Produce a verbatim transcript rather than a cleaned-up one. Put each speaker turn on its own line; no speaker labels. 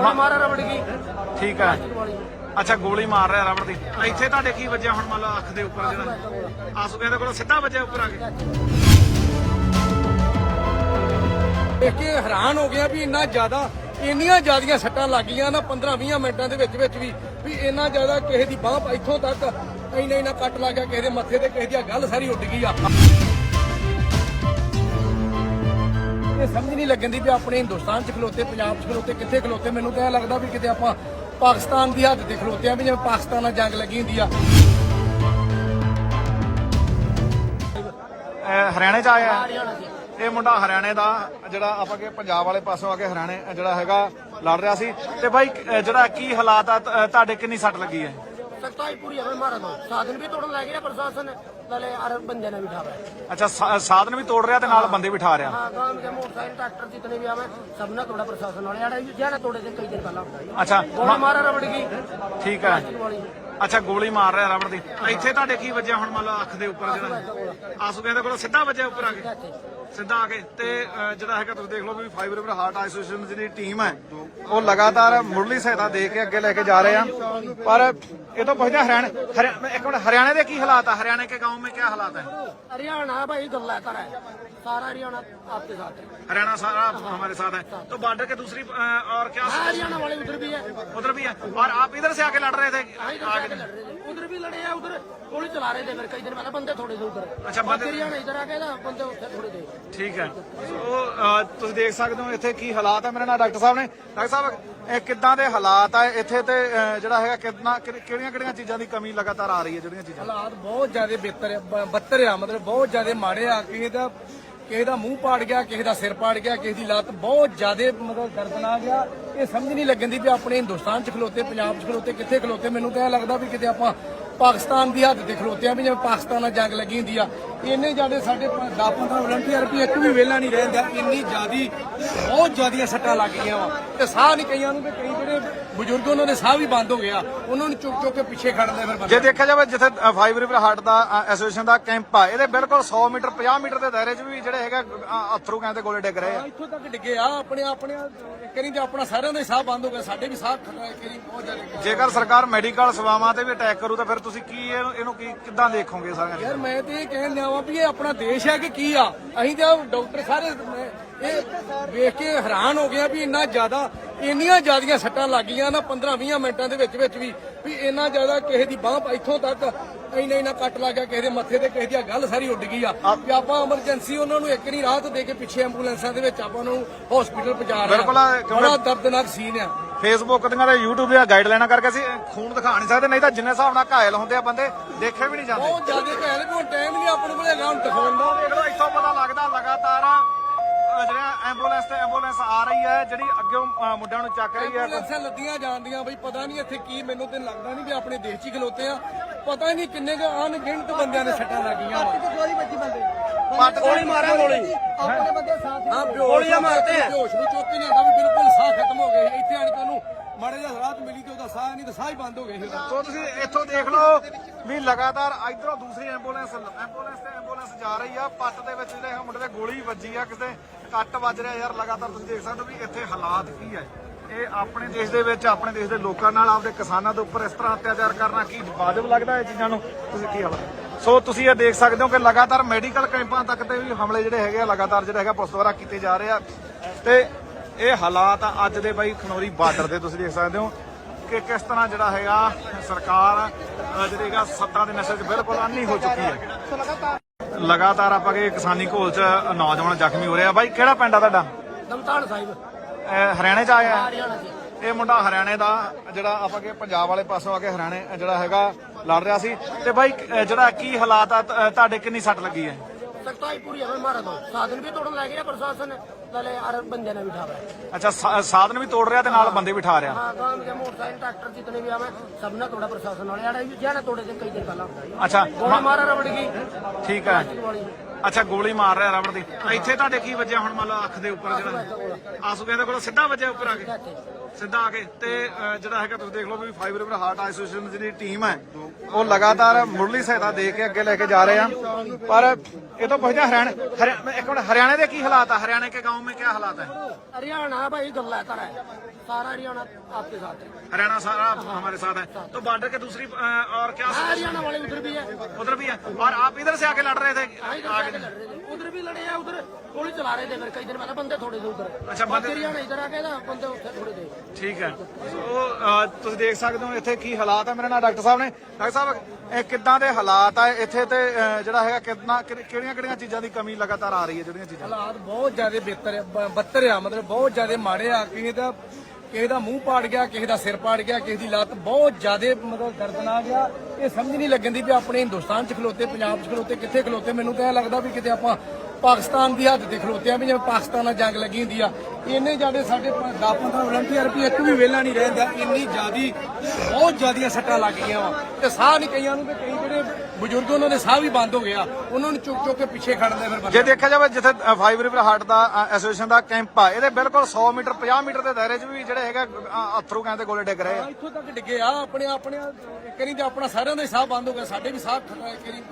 ਗੋਲੀ ਮਾਰਿਆ ਰਬੜ ਗਈ।
ਠੀਕ ਹੈ। ਅੱਛਾ ਗੋਲੀ ਮਾਰ ਰਿਹਾ ਰਬੜ ਦੀ। ਇੱਥੇ ਤੁਹਾਡੇ ਕੀ ਵੱਜਿਆ ਹੁਣ? ਮੰਨ ਲਓ ਅੱਖ ਦੇ ਉੱਪਰ ਜਿਹੜਾ ਆਸੂ ਕਹਿੰਦੇ ਕੋਲ ਸਿੱਧਾ ਵੱਜਿਆ ਉੱਪਰ ਆ ਕੇ।
ਦੇਖ ਕੇ ਹੈਰਾਨ ਹੋ ਗਿਆ ਵੀ ਇੰਨਾ ਜ਼ਿਆਦਾ ਇੰਨੀਆਂ ਜ਼ਿਆਦੀਆਂ ਸੱਟਾਂ ਲੱਗੀਆਂ ਨਾ ਪੰਦਰਾਂ ਵੀਹ ਮਿੰਟਾਂ ਦੇ ਵਿੱਚ ਵਿੱਚ ਵੀ ਵੀ ਇੰਨਾ ਜ਼ਿਆਦਾ ਕਿਸੇ ਦੀ ਬਾਂਹ ਇੱਥੋਂ ਤੱਕ ਇੰਨਾ ਇੰਨਾ ਕੱਟ ਲੱਗ ਗਿਆ, ਕਿਸੇ ਦੇ ਮੱਥੇ ਤੇ, ਕਿਸੇ ਦੀ ਗੱਲ ਸਾਰੀ ਉੱਡ ਗਈ ਆ। ਇਹ ਸਮਝ ਨਹੀਂ ਲੱਗਣ ਦੀ ਵੀ ਆਪਣੇ ਹਿੰਦੁਸਤਾਨ 'ਚ ਖਲੋਤੇ, ਪੰਜਾਬ 'ਚ ਖਲੋਤੇ, ਕਿੱਥੇ ਖਲੋਤੇ। ਮੈਨੂੰ ਤਾਂ ਇਹ ਲੱਗਦਾ ਵੀ ਕਿਤੇ ਆਪਾਂ ਪਾਕਿਸਤਾਨ ਦੀ ਹੱਦ ਤੇ ਖਲੋਤੇ ਆ, ਵੀ ਜਿਵੇਂ ਪਾਕਿਸਤਾਨ ਨਾਲ ਜੰਗ ਲੱਗੀ ਹੁੰਦੀ ਆ।
ਹਰਿਆਣੇ 'ਚ ਆਇਆ ਇਹ ਮੁੰਡਾ, ਹਰਿਆਣੇ ਦਾ, ਜਿਹੜਾ ਆਪਾਂ ਕਿ ਪੰਜਾਬ ਵਾਲੇ ਪਾਸੋਂ ਆ ਕੇ ਹਰਿਆਣੇ ਜਿਹੜਾ ਹੈਗਾ ਲੜ ਰਿਹਾ ਸੀ। ਤੇ ਬਾਈ ਜਿਹੜਾ ਕੀ ਹਾਲਾਤ ਆ ਤੁਹਾਡੇ, ਕਿੰਨੀ ਸੱਟ ਲੱਗੀ ਹੈ?
सख्ताई पूरी हमें मारा दो साधन भी तोड़न लग गया प्रशासन वाले और बंदे ने बिठा रहा।
अच्छा साधन भी तोड़ रहा नाल बंदे बिठा रहा।
हाँ गांव के मोटरसाइकिल ट्रैक्टर जितने भी हमें सब ने तोड़ा प्रशासन वाले ज्यादा तोड़े थे कई दिन पहले।
अच्छा
गोली मारा रबड़ की।
ठीक है। अच्छा गोली मार रहा रबड़ की। ਇੱਥੇ ਤੁਹਾਡੇ ਕੀ ਵੱਜਿਆ ਹੁਣ? ਮੰਨ ਲਓ ਅੱਖ ਦੇ ਉੱਪਰ ਜਿਹੜਾ ਆਸੂ ਕਹਿੰਦੇ ਕੋਲ ਸਿੱਧਾ ਵੱਜਿਆ ਉੱਪਰ ਆ ਕੇ, ਸਿੱਧਾ ਆ ਕੇ। ਤੇ ਜਿਹੜਾ ਹੈਗਾ ਤੁਸੀਂ ਦੇਖ ਲਓ ਵੀ ਫਾਈਵ ਰਿਵਰ ਹਾਰਟ ਐਸੋਸੀਏਸ਼ਨ ਦੀ ਟੀਮ ਹੈ ਉਹ ਲਗਾਤਾਰ ਮੁੱਢਲੀ ਸਹਾਇਤਾ ਦੇ ਕੇ ਅੱਗੇ ਲੈ ਕੇ ਜਾ ਰਹੇ ਆ। ਪਰ ਇਹ ਤਾਂ ਪੁੱਛਦੇ ਹਰਿਆਣਾ ਇੱਕ ਮਿੰਟ, ਹਰਿਆਣੇ ਦੇ ਕੀ ਹਾਲਾਤ ਹੈ? हरियाणा के गांव में क्या हालात है?
हरियाणा भाई गल्ला कर है, सारा हरियाणा आपके साथ है।
हरियाणा सारा हमारे साथ है। तो बॉर्डर के दूसरी और क्या?
हरियाणा वाले उधर भी है,
उधर भी है। और आप इधर से आके लड़ रहे थे?
आगे लड़ रहे थे, उधर भी लड़े हैं, उधर गोली चला रहे थे फिर कई दिन पहले बंदे थोड़े थे उधर।
अच्छा बंदे
हरियाणा इधर आ गए ना, बंदे उधर थोड़े थे।
ठीक है। ਸੋ ਤੁਸੀਂ ਦੇਖ ਸਕਦੇ ਹੋ ਇੱਥੇ ਕੀ ਹਾਲਾਤ ਹੈ। ਮੇਰੇ ਨਾਲ ਡਾਕਟਰ ਸਾਹਿਬ ਨੇ। ਡਾਕਟਰ ਸਾਹਿਬ ਇਹ ਕਿੱਦਾਂ ਦੇ ਹਾਲਾਤ ਆ ਇੱਥੇ ਤੇ ਜਿਹੜਾ ਹੈਗਾ ਕਿੰਨਾ ਕਿਹੜੀਆਂ ਕਿਹੜੀਆਂ ਚੀਜ਼ਾਂ ਦੀ ਕਮੀ ਲਗਾਤਾਰ ਆ ਰਹੀ ਹੈ? ਜਿਹੜੀਆਂ ਚੀਜ਼ਾਂ
ਹਾਲਾਤ ਬਹੁਤ ਜ਼ਿਆਦਾ ਬਿਹਤਰ ਬੱਤਰ ਆ, ਮਤਲਬ ਬਹੁਤ ਜ਼ਿਆਦਾ ਮਾੜੇ ਆ। ਕਿਸੇ ਦਾ ਕਿਸੇ ਦਾ ਮੂੰਹ ਪਾੜ ਗਿਆ, ਕਿਸੇ ਦਾ ਸਿਰ ਪਾੜ ਗਿਆ, ਕਿਸੇ ਦੀ ਲੱਤ ਬਹੁਤ ਜ਼ਿਆਦਾ ਮਤਲਬ ਦਰਦਨਾਕ ਆ। ਇਹ ਸਮਝ ਨਹੀਂ ਲੱਗਣ ਦੀ ਵੀ ਆਪਣੇ ਹਿੰਦੁਸਤਾਨ 'ਚ ਖਲੋਤੇ, ਪੰਜਾਬ 'ਚ ਖਲੋਤੇ, ਕਿੱਥੇ ਖਲੋਤੇ। ਮੈਨੂੰ ਤਾਂ ਇਹ ਲੱਗਦਾ ਵੀ ਕਿਤੇ ਆਪਾਂ ਪਾਕਿਸਤਾਨ ਦੀ ਹੱਦ ਤੇ ਖਲੋਤੇ ਆ, ਵੀ ਜਿਵੇਂ ਪਾਕਿਸਤਾਨ ਨਾਲ ਜੰਗ ਲੱਗੀ ਹੁੰਦੀ ਆ। ਇੰਨੇ ਜ਼ਿਆਦਾ ਸਾਡੇ ਦਸ ਪੰਦਰਾਂ ਵਲੰਟੀਅਰ ਵੀ ਇੱਕ ਵੀ ਵਿਹਲਾ ਨਹੀਂ ਰਹਿੰਦਾ। ਇੰਨੀ ਜ਼ਿਆਦੀ ਬਹੁਤ ਜ਼ਿਆਦੀਆਂ ਸੱਟਾਂ ਲੱਗ ਗਈਆਂ ਵਾ ਤੇ ਸਾਹ ਨਹੀਂ ਕਈਆਂ ਨੂੰ, ਤੇ ਕਈ ਜਿਹੜੇ ਬਜ਼ੁਰਗ ਉਹਨਾਂ ਦੇ ਸਾਹ ਵੀ ਬੰਦ ਹੋ ਗਿਆ, ਉਹਨਾਂ ਨੂੰ ਚੁੱਕ ਚੁੱਕ ਕੇ ਪਿੱਛੇ ਖੜਦੇ ਫਿਰ।
ਜੇ ਦੇਖਿਆ ਜਾਵੇ ਜਿੱਥੇ ਫਾਈਵ ਰਿਵਰ ਹਾਰਟ ਦਾ ਐਸੋਸੀਏਸ਼ਨ ਦਾ ਕੈਂਪ ਆ, ਇਹਦੇ ਬਿਲਕੁਲ ਸੌ ਮੀਟਰ ਪੰਜਾਹ ਮੀਟਰ ਦੇ ਦਾਇਰੇ 'ਚ ਵੀ ਜਿਹੜੇ ਹੈਗਾ ਅਥਰੂ ਕਹਿੰਦੇ ਗੋਲੇ ਡਿੱਗ ਰਹੇ ਆ।
ਇੱਥੋਂ ਤੱਕ ਡਿੱਗੇ ਆ ਆਪਣੇ ਆਪਣੇ ਕਰੀ ਤੇ ਆਪਣਾ ਸਾਰਿਆਂ ਦਾ ਸਾਹ ਬੰਦ ਹੋ ਗਿਆ, ਸਾਡੇ ਵੀ ਸਾਹ ਕਰੀ ਬਹੁਤ ਜ਼ਿਆਦਾ।
ਜੇਕਰ ਸਰਕਾਰ ਮੈਡੀਕਲ ਸੇਵਾਵਾਂ ਤੇ ਵੀ ਅਟੈਕ ਕਰੂ ਤਾਂ ਫਿਰ ਤੁਸੀਂ ਕੀ ਇਹਨੂੰ ਕੀ ਕਿੱਦਾਂ ਦੇਖੋਗੇ ਸਾਰਿਆਂ?
ਯਾਰ ਮੈਂ ਤੇ ਇਹ ਕਹਿਣ ਲਿਆਵਾਂ ਵੀ ਇਹ ਆਪਣਾ ਦੇਸ਼ ਹੈ ਕਿ ਕੀ ਆ। ਅਸੀਂ ਤਾਂ ਡਾਕਟਰ ਸਾਰੇ ਇਹ ਵੇਖ ਕੇ ਹੈਰਾਨ ਹੋ ਗਿਆ ਵੀ ਇੰਨਾ ਜ਼ਿਆਦਾ ਇੰਨੀਆਂ ਜ਼ਿਆਦੀਆਂ ਸੱਟਾਂ ਲੱਗੀਆਂ ਨਾ ਪੰਦਰਾਂ ਵੀਹ ਮਿੰਟਾਂ ਦੇ ਵਿੱਚ ਵਿੱਚ ਵੀ ਵੀ ਇੰਨਾ ਜ਼ਿਆਦਾ ਕਿਸੇ ਦੀ ਬਾਂਹ ਇੱਥੋਂ ਤੱਕ ਇੰਨਾ ਇੰਨਾ ਕੱਟ ਲੱਗ ਗਿਆ, ਕਿਸੇ ਦੇ ਮੱਥੇ ਤੇ, ਕਿਸੇ ਦੀ ਗੱਲ ਸਾਰੀ ਉੱਡ ਗਈ ਆ। ਵੀ ਆਪਾਂ ਐਮਰਜੈਂਸੀ ਉਹਨਾਂ ਨੂੰ ਇੱਕ ਨਹੀਂ ਰਾਹਤ ਦੇ ਕੇ ਪਿੱਛੇ ਐਂਬੂਲੈਂਸਾਂ ਦੇ ਵਿੱਚ ਆਪਾਂ ਨੂੰ ਹਸਪੀਟਲ ਪਹੁੰਚਾ ਰਹੇ ਆ। ਬੜਾ ਦਰਦਨਾਕ ਸੀਨ ਆ।
ਫੇਸਬੁੱਕ ਦੀਆਂ ਤੇ ਯੂਟਿਊਬ ਦੀਆਂ ਗਾਈਡਲਾਈਨਾਂ ਕਰਕੇ ਅਸੀਂ ਖੂਨ ਦਿਖਾ ਨਹੀਂ ਸਕਦੇ, ਨਹੀਂ ਤਾਂ ਜਿੰਨੇ ਹਿਸਾਬ ਨਾਲ ਘਾਇਲ ਹੁੰਦੇ ਆ ਬੰਦੇ ਦੇਖੇ ਵੀ ਨਹੀਂ ਜਾਂਦੇ।
ਬਹੁਤ ਜ਼ਿਆਦਾ ਘਾਇਲ ਵੀ ਹੁਣ ਟਾਈਮ ਨਹੀਂ ਆਪਣੇ ਕੋਲ ਹੈਗਾ ਹੁਣ ਦਿਖਾਉਣ ਦਾ।
ਦੇਖ ਲਓ ਇੱਥੋਂ ਪਤਾ ਲੱਗਦਾ ਲਗਾਤਾਰ ਜਿਹੜਾ ਐਂਬੂਲੈਂਸ ਤੇ ਐਂਬੂਲੈਂਸ ਆ ਰਹੀ ਹੈ, ਜਿਹੜੀ ਅੱਗੇ ਮੁੰਡਿਆਂ ਨੂੰ ਚੱਕ ਰਹੀ ਹੈ।
ਐਂਬੂਲੈਂਸਾਂ ਲੱਦੀਆਂ ਜਾਂਦੀਆਂ ਬਈ ਪਤਾ ਨਹੀਂ ਇੱਥੇ ਕੀ, ਮੈਨੂੰ ਤੇ ਲੱਗਦਾ ਨਹੀਂ ਵੀ ਆਪਣੇ ਦੇਸ਼ 'ਚ ਖਲੋਤੇ ਆ। ਪਤਾ ਨਹੀਂ ਕਿੰਨੇ ਕੁ ਅਣਗਿਣਤ ਬੰਦਿਆਂ ਦੇ ਸੱਟਾਂ ਲੱਗੀਆਂ ਵਾ।
पट गोली मारा गोली
ਆਪਣੇ ਬੰਦੇ ਸਾਥ ਗੋਲੀਆਂ ਮਾਰਦੇ ਆ, ਹੋਸ਼ ਨੂੰ ਚੁੱਕ ਕੇ ਨਹੀਂ ਆਉਂਦਾ ਵੀ ਬਿਲਕੁਲ ਸਾਹ ਖਤਮ ਹੋ ਗਏ। ਇੱਥੇ ਆਣ ਕੇ ਉਹਨੂੰ ਮਾੜੇ ਜਿਹਾ ਰਾਹਤ ਮਿਲੀ ਤੇ ਉਹਦਾ ਸਾਹ ਨਹੀਂ ਤਾਂ ਸਾਹ ਹੀ ਬੰਦ ਹੋ ਗਏ ਸੀ।
ਸੋ ਤੁਸੀਂ ਇੱਥੋਂ ਦੇਖ ਲਓ ਵੀ ਲਗਾਤਾਰ ਇਧਰੋਂ ਦੂਸਰੀ ਐਂਬੂਲੈਂਸ ਐਂਬੂਲੈਂਸ ਤੇ ਐਂਬੂਲੈਂਸ ਜਾ ਰਹੀ ਆ। ਪੱਟ ਦੇ ਵਿੱਚ ਜਿਹੜੇ ਮੁੰਡੇ ਦੇ ਗੋਲੀ ਵੱਜੀ ਆ, ਕਿਸੇ ਕੱਟ ਵੱਜ ਰਿਹਾ। ਯਾਰ ਲਗਾਤਾਰ ਤੁਸੀਂ ਦੇਖ ਸਕਦੇ ਹੋ ਵੀ ਇੱਥੇ ਹਾਲਾਤ ਕੀ ਹੈ। ਇਹ ਆਪਣੇ ਦੇਸ਼ ਦੇ ਵਿੱਚ ਆਪਣੇ ਦੇਸ਼ ਦੇ ਲੋਕਾਂ ਨਾਲ, ਆਪਦੇ ਕਿਸਾਨਾਂ ਦੇ ਉੱਪਰ ਇਸ ਤਰ੍ਹਾਂ ਅਤਿਆਚਾਰ ਕਰਨਾ ਕੀ ਵਾਜਬ ਲੱਗਦਾ? ਇਹ ਚੀਜ਼ਾਂ ਨੂੰ ਤੁਸੀਂ ਕੀ ਹਾਲਾਤ? ਸੋ ਤੁਸੀਂ ਇਹ ਦੇਖ ਸਕਦੇ ਹੋ ਕਿ ਲਗਾਤਾਰ ਮੈਡੀਕਲ ਕੈਂਪਾਂ ਤੱਕ ਤੇ ਵੀ ਹਮਲੇ ਜਿਹੜੇ ਹੈਗੇ ਆ ਲਗਾਤਾਰ ਜਿਹੜੇ ਹੈਗਾ ਪੁਲਿਸ ਦੁਆਰਾ ਕੀਤੇ ਜਾ ਰਹੇ ਆ। ਤੇ ਇਹ ਹਾਲਾਤ ਆ ਅੱਜ ਦੇ ਬਾਈ ਖਨੌਰੀ ਬਾਰਡਰ ਦੇ। ਤੁਸੀਂ ਦੇਖ ਸਕਦੇ ਹੋ ਕਿ ਕਿਸ ਤਰ੍ਹਾਂ ਜਿਹੜਾ ਹੈਗਾ ਸਰਕਾਰ ਜਿਹੜੀ ਹੈਗਾ ਸੱਤਾ ਦੇ ਨਸ਼ੇ 'ਚ ਬਿਲਕੁਲ ਅੰਨੀ ਹੋ ਚੁੱਕੀ ਹੈ। ਲਗਾਤਾਰ ਆਪਾਂ ਕਿ ਕਿਸਾਨੀ ਘੋਲ 'ਚ ਨੌਜਵਾਨ ਜ਼ਖਮੀ ਹੋ ਰਿਹਾ। ਬਾਈ ਕਿਹੜਾ ਪਿੰਡ ਆ ਤੁਹਾਡਾ?
दमताल साहिब
ਹਰਿਆਣੇ 'ਚ ਆਇਆ
हरियाणा से।
ਇਹ ਮੁੰਡਾ ਹਰਿਆਣੇ ਦਾ, ਜਿਹੜਾ ਆਪਾਂ ਕਿ ਪੰਜਾਬ ਵਾਲੇ ਪਾਸੋਂ ਆ ਕੇ ਹਰਿਆਣੇ ਜਿਹੜਾ ਹੈਗਾ ਲੜ ਰਿਹਾ ਸੀ। ਤੇ ਬਾਈ ਜਿਹੜਾ ਕੀ ਹਾਲਾਤ ਆ ਤੁਹਾਡੇ, ਕਿੰਨੀ ਸੱਟ ਲੱਗੀ ਹੈ?
सख्ताई पूरी हमें मारा दो साधन भी तोड़न लग गया प्रशासन वाले और बंदे ने बिठा रहा।
ਅੱਛਾ ਸਾਧਨ ਵੀ ਤੋੜ ਰਿਹਾ ਤੇ ਨਾਲ ਬੰਦੇ ਬਿਠਾ ਰਿਹਾ।
हाँ गांव के मोटरसाइकिल ट्रैक्टर जितने भी हमें सब ने तोड़ा प्रशासन वाले ज्यादा तोड़े थे कई दिन पहले।
अच्छा
गोली मारा रबड़ की।
ठीक है। ਅੱਛਾ ਗੋਲੀ ਮਾਰ ਰਿਹਾ ਰਬੜ ਦੀ। ਇੱਥੇ ਤੁਹਾਡੇ ਕੀ ਵੱਜਿਆ ਹੁਣ? ਮੰਨ ਲਓ ਅੱਖ ਦੇ ਉੱਪਰ ਜਿਹੜਾ ਆਸੂ ਕਹਿੰਦੇ ਕੋਲ ਸਿੱਧਾ ਵੱਜਿਆ ਉੱਪਰ ਆ ਕੇ, ਸਿੱਧਾ ਆ ਕੇ ਤੇ ਅਹ, ਜਿਹੜਾ ਹੈਗਾ ਤੁਸੀਂ ਦੇਖ ਲਓ ਵੀ ਫਾਈਵ ਰਿਵਰ ਹਾਰਟ ਐਸੋਸੀਏਸ਼ਨ ਦੀ ਜਿਹੜੀ ਟੀਮ ਹੈ ਉਹ ਲਗਾਤਾਰ ਮੁੱਢਲੀ ਸਹਾਇਤਾ ਦੇ ਕੇ ਅੱਗੇ ਲੈ ਕੇ ਜਾ ਰਹੇ ਆ। ਪਰ ਇਹ ਤਾਂ ਪੁੱਛਦੇ ਹਰਿਆਣਾ ਹਰਿਆ- ਇੱਕ ਮਿੰਟ, ਹਰਿਆਣੇ ਦੇ ਕੀ ਹਾਲਾत है? हरियाणा के गाँव में क्या हालात है?
हरियाणा भाई गल्लातर है, सारा हरियाणा आपके साथ है।
हरियाणा सारा हमारे साथ है। तो बॉर्डर के दूसरी अ, और क्या
हाँ, हरियाणा वाले उधर भी है,
उधर भी है और आप इधर से आके लड़ रहे थे?
हाँ, इधर से आके लड़ रहे थे, उधर भी लड़े हैं, उधर गोली चला रहे थे, फिर कई दिन पहले बंदे थोड़े थे उधर।
अच्छा, बंदे-
हरियाणा इधर आ गए ना, बंदे उधर थोड़े थे।
ਠੀਕ ਹੈ। ਸੋ ਅ, ਤੁਸੀਂ ਦੇਖ ਸਕਦੇ ਹੋ ਇੱਥੇ ਕੀ ਹਾਲਾਤ ਹੈ। ਮੇਰੇ ਨਾਲ ਡਾਕਟਰ ਸਾਹਿਬ ਨੇ। ਡਾਕਟਰ ਸਾਹਿਬ ਇਹ ਕਿੱਦਾਂ ਦੇ ਹਾਲਾਤ ਆ ਇੱਥੇ ਤੇ ਅ, ਜਿਹੜਾ ਹੈਗਾ ਕਿੰਨਾ ਕਿਹੜੀਆਂ ਕਿਹੜੀਆਂ ਚੀਜ਼ਾਂ ਦੀ ਕਮੀ ਲਗਾਤਾਰ ਆ ਰਹੀ ਹੈ? ਜਿਹੜੀਆਂ ਚੀਜ਼ਾਂ
ਹਾਲਾਤ ਬਹੁਤ ਜ਼ਿਆਦਾ ਬਿਹਤਰ ਆ, ਬ- ਬੱਤਰ ਆ, ਮਤਲਬ ਬਹੁਤ ਜ਼ਿਆਦਾ ਮਾੜੇ ਆ। ਕਿਸੇ ਦਾ ਕਿਸੇ ਦਾ ਮੂੰਹ ਪਾੜ ਗਿਆ, ਕਿਸੇ ਦਾ ਸਿਰ ਪਾੜ ਗਿਆ, ਕਿਸੇ ਦੀ ਲੱਤ ਬਹੁਤ ਜ਼ਿਆਦਾ ਮਤਲਬ ਦਰਦਨਾਕ ਆ। ਇਹ ਸਮਝ ਨਹੀਂ ਲੱਗਣ ਦੀ ਵੀ ਆਪਣੇ ਹਿੰਦੁਸਤਾਨ 'ਚ ਖਲੋਤੇ, ਪੰਜਾਬ 'ਚ ਖਲੋਤੇ, ਕਿੱਥੇ ਖਲੋਤੇ। ਮੈਨੂੰ ਤਾਂ ਇਹ ਲੱਗਦਾ ਵੀ ਕਿਤੇ ਆਪਾਂ ਪਾਕਿਸਤਾਨ ਦੀ ਹੱਦ ਤੇ ਖਲੋਤੇ ਆ, ਵੀ ਜਿਵੇਂ ਪਾਕਿਸਤਾਨ ਨਾਲ ਜੰਗ ਲੱਗੀ ਹੁੰਦੀ ਆ। ਇੰਨੇ ਜ਼ਿਆਦਾ ਸਾਡੇ ਦਸ ਪੰਦਰਾਂ ਵਲੰਟੀਅਰ ਵੀ ਇੱਕ ਵੀ ਵਿਹਲਾ ਨਹੀਂ ਰਹਿੰਦਾ। ਇੰਨੀ ਜ਼ਿਆਦੀ ਬਹੁਤ ਜ਼ਿਆਦੀਆਂ ਸੱਟਾਂ ਲੱਗ ਗਈਆਂ ਵਾ ਤੇ ਸਾਹ ਨਹੀਂ ਕਈਆਂ ਨੂੰ, ਤੇ ਕਈ ਜਿਹੜੇ ਬਜ਼ੁਰਗ ਉਹਨਾਂ ਦੇ ਸਾਹ ਵੀ ਬੰਦ ਹੋ ਗਿਆ, ਉਹਨਾਂ ਨੂੰ ਚੁੱਕ ਚੁੱਕ ਕੇ ਪਿੱਛੇ ਖੜਦੇ ਫਿਰ
ਜੇ ਦੇਖਿਆ ਜਾਵੇ ਜਿੱਥੇ ਫਾਈਵ ਰਿਵਰ ਹਾਰਟ ਦਾ ਐਸੋਸੀਏਸ਼ਨ ਦਾ ਕੈਂਪ ਆ, ਇਹਦੇ ਬਿਲਕੁਲ ਸੌ ਮੀਟਰ ਪੰਜਾਹ ਮੀਟਰ ਦੇ ਦਾਇਰੇ 'ਚ ਵੀ ਜਿਹੜੇ ਹੈਗਾ ਅ, ਅਥਰੂ ਕਹਿੰਦੇ ਗੋਲੇ ਡਿੱਗ ਰਹੇ ਆ।
ਇੱਥੋਂ ਤੱਕ ਡਿੱਗੇ ਆ। ਆਪਣੇ ਆਪਣੇ ਕਰੀ ਤੇ ਆਪਣਾ ਸਾਰਿਆਂ ਦਾ ਹੀ ਸਾਹ ਬੰਦ ਹੋ ਗਿਆ, ਸਾਡੇ ਵੀ ਸਾਹ ਕਰੀ